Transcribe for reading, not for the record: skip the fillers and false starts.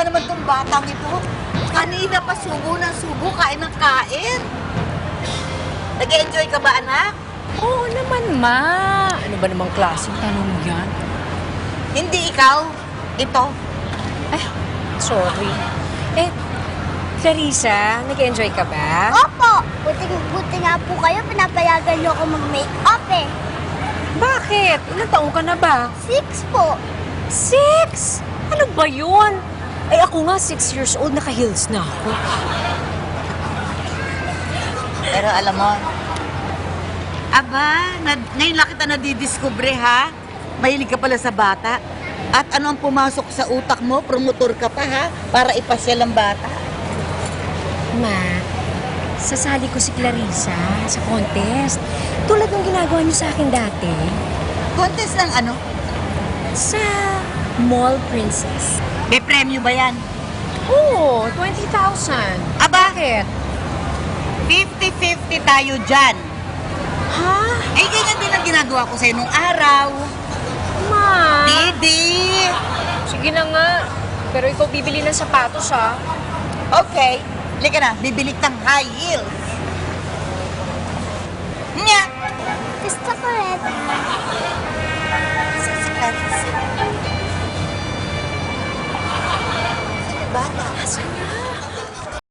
naman tong batang ito. Kanina pa subo ng subo, kain ng kain. Nag-enjoy ka ba, anak? Oo naman, Ma. Ano ba namang klaseng tanong yan? Hindi ikaw. Ito. Ay, sorry. Clarissa, nag-enjoy ka ba? Opo! Buti nga po kayo, pinapayagan niyo ako mag-make-up eh. Bakit? Ilang taong ka na ba? 6 po. 6? Ano ba yun? Ay, ako nga 6 years old, naka-heels na ako. Pero alam mo, ngayon lang kita nadidiskubre, ha? Mahilig ka pala sa bata. At ano ang pumasok sa utak mo? Promotor ka pa, ha? Para ipasyal ang bata. Ma, sasali ko si Clarissa sa contest. Tulad ng ginagawa niyo sa akin dati. Contest ng ano? Sa Mall Princess. May premyo ba yan? Oo, 20,000. Bakit? 50-50 tayo dyan. Ha? Ay, ganyan din ang ginagawa ko sa'yo nung araw. Ma? Didi! Sige na nga. Pero ikaw bibili ng sapatos, ha? Okay. Halika na, bibili ng high heels. Nya!